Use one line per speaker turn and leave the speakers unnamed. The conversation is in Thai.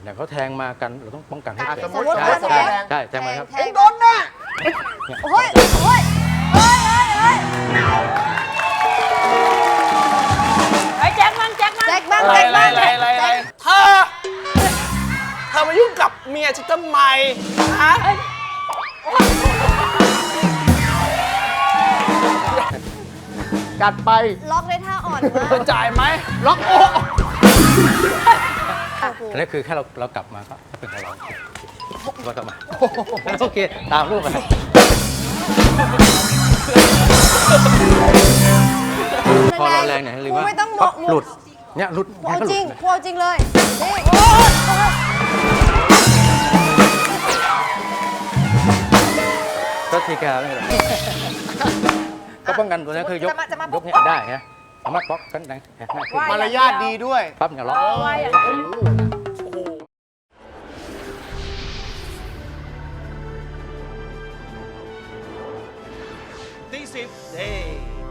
อย่างเขาแทงมากันเราต้องป้องกันให้
สมม
เป็น
ติ
ใช่แทงมาครับ
เอ็งโดนนะ
โอ้ยโอ้ยเฮ้ยเฮ้ยเฮ้ย
ไอ้แจ็คมันแจ็คมัน
แจ็คบ้างแจ็คบ้าง
อะไรเธอมายุ่งกับเมียฉันทำไมฮะ
กัดไป
ล็อกได้ท่าอ่อนมาก
เธอจ่ายไหม
ล็อกโอ้
อันนี้คือแค่เรากลับมาก็เป็นของเราเรากลับมาโอเคตามรูปไปพอเราแรงเนี่ยหรือว่า
ไม่ต้อง
ปั๊บ
มุ
หลุดเนี่ยหลุด
กูเอา
ก็ห
จ
ลุ
ริ
ด
งกูเอาจริงเลยนี่โอ้ยโอ้ย
ก็ทีแกไม่เป็นไรก็ป้องกันตัวนี้คือยกเนี่ยได้ฮะสามารถป๊อกกันได้ง่ายขึ้น
มารยาทดีด้วย
ปั๊บอย่าล็อก
ว่าอย่างนี้
ตี10เฮ้